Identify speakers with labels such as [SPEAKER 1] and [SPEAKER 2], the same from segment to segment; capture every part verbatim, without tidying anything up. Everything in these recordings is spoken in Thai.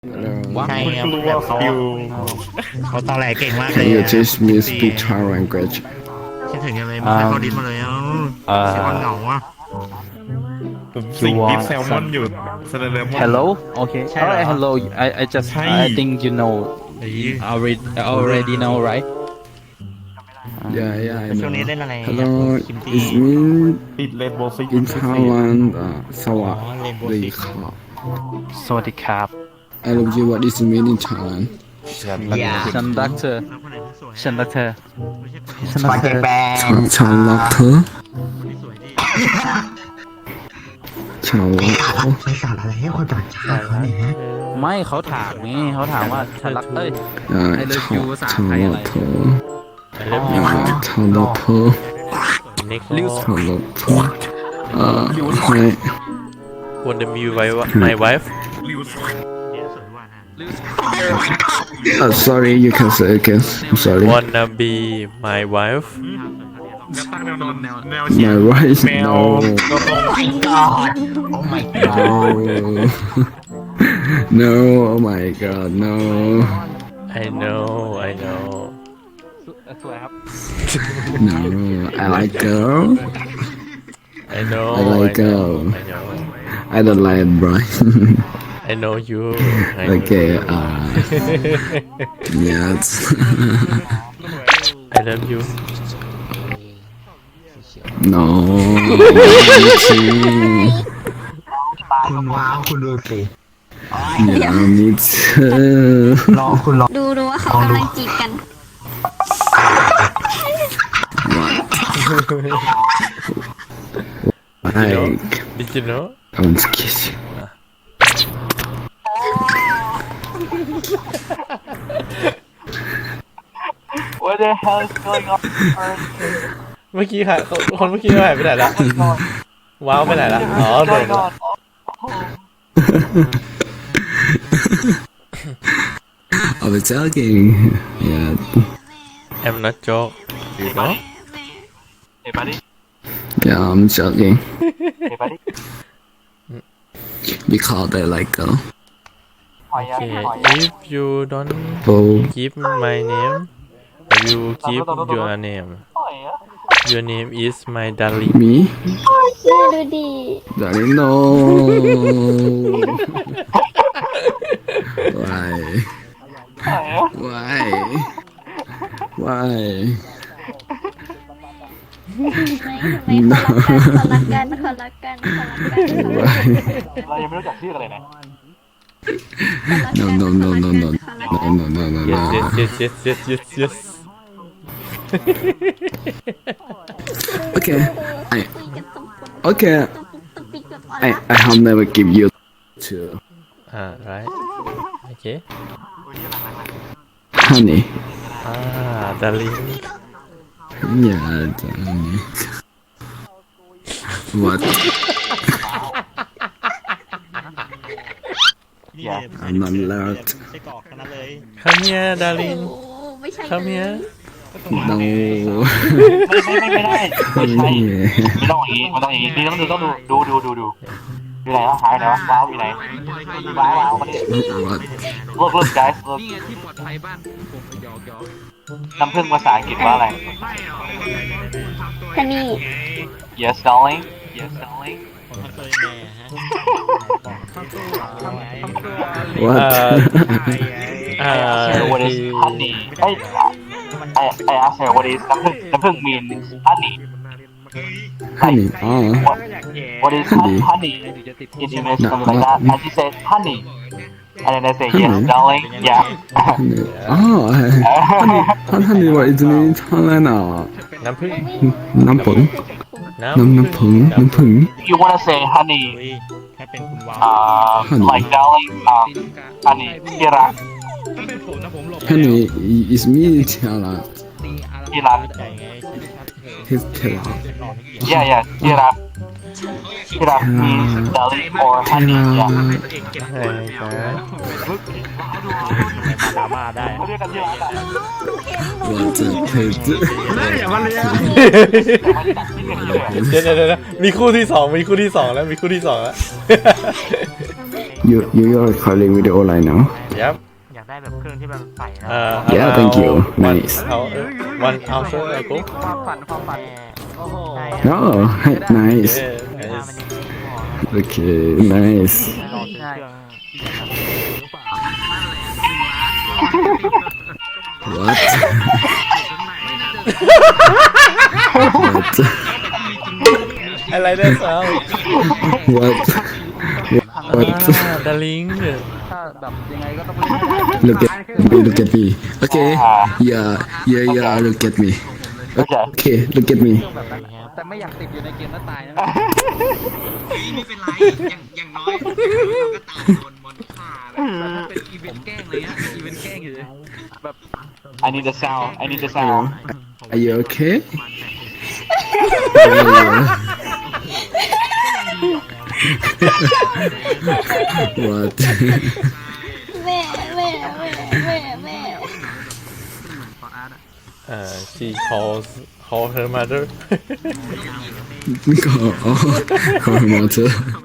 [SPEAKER 1] ว้าว
[SPEAKER 2] ใช่
[SPEAKER 1] คุณ
[SPEAKER 2] ครับ
[SPEAKER 1] รู้ว่าเขาเขาตอแหลเก่งมากเลย
[SPEAKER 3] Can you
[SPEAKER 1] อะ
[SPEAKER 3] teach me speak Thai language?
[SPEAKER 1] คิดถึงยังเลยไม่เคยเข้าดิสมาเลยเอ้า
[SPEAKER 2] อ่า
[SPEAKER 1] เสียงเหงาอ่ะ
[SPEAKER 4] ผมสิ่งที่แซลมอนอยู่สแลมอน
[SPEAKER 2] Hello okay
[SPEAKER 1] ใช่เหรอ
[SPEAKER 2] alright hello I I just
[SPEAKER 4] ใช่
[SPEAKER 2] I think you know
[SPEAKER 1] ไอ้
[SPEAKER 2] already already know right
[SPEAKER 3] Yeah, yeah, I
[SPEAKER 1] ช่วงนี้
[SPEAKER 3] know.
[SPEAKER 1] เล่นอะไรอะ
[SPEAKER 3] Hello,
[SPEAKER 1] คิมตี้
[SPEAKER 3] it's me
[SPEAKER 4] ติดเลนโบว์ซิก
[SPEAKER 3] in Thailand. Uh, สวัส
[SPEAKER 1] Rainbow
[SPEAKER 3] ดี
[SPEAKER 1] Six
[SPEAKER 3] ครับ
[SPEAKER 2] สวัสดีครับ
[SPEAKER 3] I love you. What is the meaning in Thailand?
[SPEAKER 2] ฉันรักเธอ
[SPEAKER 1] แล้วคนไหนที่สวย
[SPEAKER 2] ฉันรักเธอ
[SPEAKER 1] ไม่ใช่คน
[SPEAKER 2] ฉันรักเธอ
[SPEAKER 3] ฉันฉันรักเธอ
[SPEAKER 1] ที่สวยดิ
[SPEAKER 3] ฉันรักเธอ
[SPEAKER 5] ไปสอนอะไรให้คนต่างชาติเขาเนี่ยฮะ
[SPEAKER 2] ไม่เขาถามไงเขาถามว่าฉันรักเอ้ย
[SPEAKER 3] อ่า
[SPEAKER 2] I love
[SPEAKER 3] ฉัน
[SPEAKER 2] you ภาษา
[SPEAKER 3] ฉัน
[SPEAKER 2] ไทย
[SPEAKER 3] รั
[SPEAKER 2] อะไร
[SPEAKER 3] กเธอ
[SPEAKER 1] เริ่ม
[SPEAKER 3] อ่าฉันรักเธอ
[SPEAKER 1] เน็ก
[SPEAKER 2] ลิว
[SPEAKER 3] ฉันรักเธออ่าให้
[SPEAKER 6] Wanna be my, my wife?
[SPEAKER 1] เนี่ยสวยว่านะ
[SPEAKER 3] อ่า sorry you can say again I'm sorry
[SPEAKER 6] Wanna be my wife?
[SPEAKER 4] จะตั้งแนวนอนแนวแนวเฉีย
[SPEAKER 3] my
[SPEAKER 4] ง
[SPEAKER 3] wife
[SPEAKER 4] แมว
[SPEAKER 3] no
[SPEAKER 4] ตัวตรง
[SPEAKER 5] โอ้ my god
[SPEAKER 3] no no oh my god no
[SPEAKER 6] I know, I know.
[SPEAKER 2] สวยครับ
[SPEAKER 3] no I like girl
[SPEAKER 6] I know,
[SPEAKER 3] I like
[SPEAKER 6] know,
[SPEAKER 3] girl.
[SPEAKER 6] I know.
[SPEAKER 3] I don't like bro
[SPEAKER 6] I know you. I know
[SPEAKER 3] okay
[SPEAKER 6] you.
[SPEAKER 3] uh yes
[SPEAKER 6] I love you.
[SPEAKER 3] no
[SPEAKER 5] คุณว้าวคุณดูสิ
[SPEAKER 3] อย่ามีเธอ
[SPEAKER 5] ลองคุณลอง
[SPEAKER 7] ดูดูว่าเขากำลังจีบกัน
[SPEAKER 3] like
[SPEAKER 6] Did you know?
[SPEAKER 3] I want to kiss you
[SPEAKER 2] What the hell is going on
[SPEAKER 6] เมื่อกี้ค่ะคนเมื่อกี้หายไปไหนละว้าวไปไหนละอ๋อโดนละ
[SPEAKER 3] I was joking yeah
[SPEAKER 6] I'm not joke. You know?
[SPEAKER 2] Hey buddy
[SPEAKER 3] yeah I'm joking
[SPEAKER 2] Hey buddy
[SPEAKER 3] because I like girl
[SPEAKER 6] Okay. If you don't
[SPEAKER 3] oh
[SPEAKER 6] give my name, I will give your name. Your name is my darling.
[SPEAKER 3] me
[SPEAKER 7] ชื่อดูดี
[SPEAKER 3] darling no why why why
[SPEAKER 7] ไม่ไม่คนรักกันคนรักกันคนรักกันคนรักกัน
[SPEAKER 3] why
[SPEAKER 2] เรายังไม่รู้จักชื่ออะไรนะ
[SPEAKER 3] no no no no no no no no no
[SPEAKER 6] Yes,
[SPEAKER 3] no
[SPEAKER 6] yes, yes, yes, yes, yes, yes.
[SPEAKER 3] okay I okay I I have never give you to
[SPEAKER 6] Ah, right. Okay.
[SPEAKER 3] honey
[SPEAKER 6] Ah, darling.
[SPEAKER 3] yeah darling what
[SPEAKER 1] นี่เลย
[SPEAKER 3] I'm not allowed
[SPEAKER 1] ไส้กรอกทั้งนั้นเลย
[SPEAKER 6] Come here, darling.
[SPEAKER 7] โอ้ไม่ใช่
[SPEAKER 6] Come here.
[SPEAKER 3] no
[SPEAKER 2] ไม่ไม่ไม่ไม่ได้ไม่ใช่
[SPEAKER 3] yeah
[SPEAKER 2] ไม่ต้องอย่างนี้ไม่ต้องอย่างนี้นี่ต้องดูต้องดูดูดูดูดูอยู่ไหนวะหายไหนวะว้าวอยู่ไหนว้าวว้าวมาดิ
[SPEAKER 3] what
[SPEAKER 2] look look guys look น้ำผึ้งภาษาอังกฤษว่าอะไร
[SPEAKER 7] ฮันนี่
[SPEAKER 2] yes darling yes darling
[SPEAKER 1] ผมทำตัวยังไงอะฮะ
[SPEAKER 3] what
[SPEAKER 6] Ah,
[SPEAKER 2] so what is
[SPEAKER 6] he-
[SPEAKER 2] honey ไอ้ I I asked her what is น้ำผึ้งน้ำผึ้ง mean honey
[SPEAKER 3] honey oh
[SPEAKER 2] what what is
[SPEAKER 3] Honey.
[SPEAKER 2] honey in English
[SPEAKER 3] No,
[SPEAKER 2] something like
[SPEAKER 3] no.
[SPEAKER 2] that and she said honey and then I say yes
[SPEAKER 3] Honey.
[SPEAKER 2] darling yeah
[SPEAKER 3] honey oh honey honey what is it in Thailand อ่ะ
[SPEAKER 6] น้ำผึ้ง
[SPEAKER 3] น้ำผึ้ง
[SPEAKER 6] น้
[SPEAKER 3] น้ำน้ำผึ้งน้ำผึ้ง
[SPEAKER 2] if you wanna say honey
[SPEAKER 1] อุ้ยแค่เป็นคุณว้าว
[SPEAKER 2] um,
[SPEAKER 3] Honey.
[SPEAKER 2] like darling um, honey ที่รัก
[SPEAKER 3] honey is me Thailand
[SPEAKER 2] ที่รัก
[SPEAKER 1] ใจไง
[SPEAKER 3] his Thailand
[SPEAKER 2] yeah yeah ที่รักที่รัก means darling or honey yeah
[SPEAKER 6] ำใช่ครับ
[SPEAKER 1] ดราม่าได้
[SPEAKER 2] เขาเรียกกันที่รักอะ
[SPEAKER 3] what a kid
[SPEAKER 4] อย่ามาเลี้ยง
[SPEAKER 2] ไม่ได้ตัดที่กันเลย
[SPEAKER 6] เดี๋ยวเดี๋ยวเดี๋ยวมีคู่ที่สองมีคู่ที่สองแล้วมีคู่ที่สองแล้ว
[SPEAKER 3] you you are recording video right now
[SPEAKER 6] Yep
[SPEAKER 1] อยากได้แบบเครื่องที่แบบใส่นะ
[SPEAKER 6] uh,
[SPEAKER 3] Yeah,
[SPEAKER 6] about
[SPEAKER 3] thank you.
[SPEAKER 6] one
[SPEAKER 3] Nice.
[SPEAKER 6] hour one hour ago
[SPEAKER 8] ความฝันความฝันโอ้โห
[SPEAKER 3] oh nice
[SPEAKER 6] yeah
[SPEAKER 1] ถ้า
[SPEAKER 6] nice
[SPEAKER 1] มันยังไม่พอ
[SPEAKER 3] okay nice
[SPEAKER 1] ลองซื้อเครื่อง
[SPEAKER 3] what what
[SPEAKER 6] I like that sound
[SPEAKER 3] what what
[SPEAKER 6] ah darling
[SPEAKER 8] ถ้าแบบยังไงก็ต้องเล่นให้ได้
[SPEAKER 3] look at me look at me okay yeah yeah yeah look at me
[SPEAKER 2] โอเค
[SPEAKER 3] okay look at me
[SPEAKER 8] แต่ไม่อยากติดอยู่ในเกมแล้วตายนะ
[SPEAKER 9] ไม่เป็นไร อย่างอย่างน้อยเราก็ตามโดนมอนฆ่าแล้ว
[SPEAKER 8] แต่ถ้าเป็นอีเวนต์แกล้งเลยฮะอีเวนต์แกล้งอยู่เลยแบบ
[SPEAKER 2] I need the sound I need the sound
[SPEAKER 3] are you okay what
[SPEAKER 7] แม่แม่แม่แม่แม่
[SPEAKER 6] uh she calls call her mother
[SPEAKER 3] ก็อ๋อขอมาเถอะ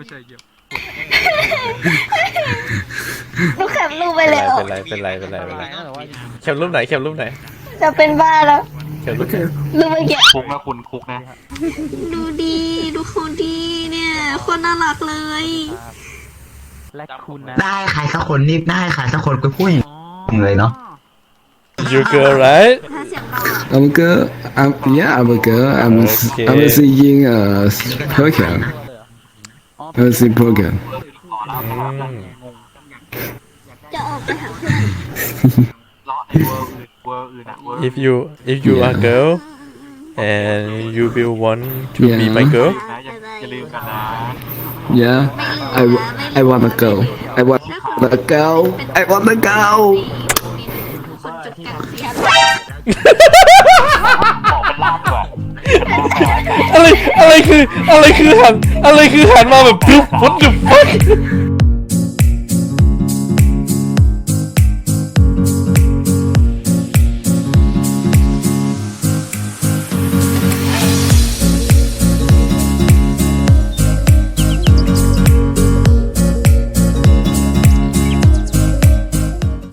[SPEAKER 7] ลูกแคปรูปไปแล้ว
[SPEAKER 6] เป็นไรเป็นไรเป็นไรเป็นไรแคปรูปไหนแคปรูปไหน
[SPEAKER 7] จะเป็นบ้าแล้ว
[SPEAKER 6] แคปรูปไหน
[SPEAKER 7] รูปเมื่อกี้
[SPEAKER 2] คุกนะคุณคุกนะ
[SPEAKER 7] ดูดีดูคนดีเนี่ยคนน่ารักเลย
[SPEAKER 8] และคุณนะ
[SPEAKER 5] ได้ใครสักคนนี่ได้ใครสักคนก็พูดอย่างเลยเนาะ
[SPEAKER 6] you girl right
[SPEAKER 7] ถ้าเสียงเราอะ
[SPEAKER 3] I'm a girl I'm yeah I'm a girl I'm
[SPEAKER 6] Okay.
[SPEAKER 3] I'm singing a program I'm singing program
[SPEAKER 6] อืม
[SPEAKER 7] จะออกไปหาเพื่อน
[SPEAKER 2] เลาะในเวอร์อื่นเวอร์อื่นอะเวอร์
[SPEAKER 6] if you if you are girl and you will want to be my
[SPEAKER 3] Yeah.
[SPEAKER 6] girl
[SPEAKER 2] นะอย่าอย่าลืมกันนะ
[SPEAKER 3] yeah I wa- I want a girl I want a girl I want a girl
[SPEAKER 7] คนจุดกลางเสียง
[SPEAKER 2] บอกเป็นล่ามดีกว่า
[SPEAKER 6] อะไรอะไรคืออะไรคือหันอะไรคือหันมาแบบปุ๊บ what the fuck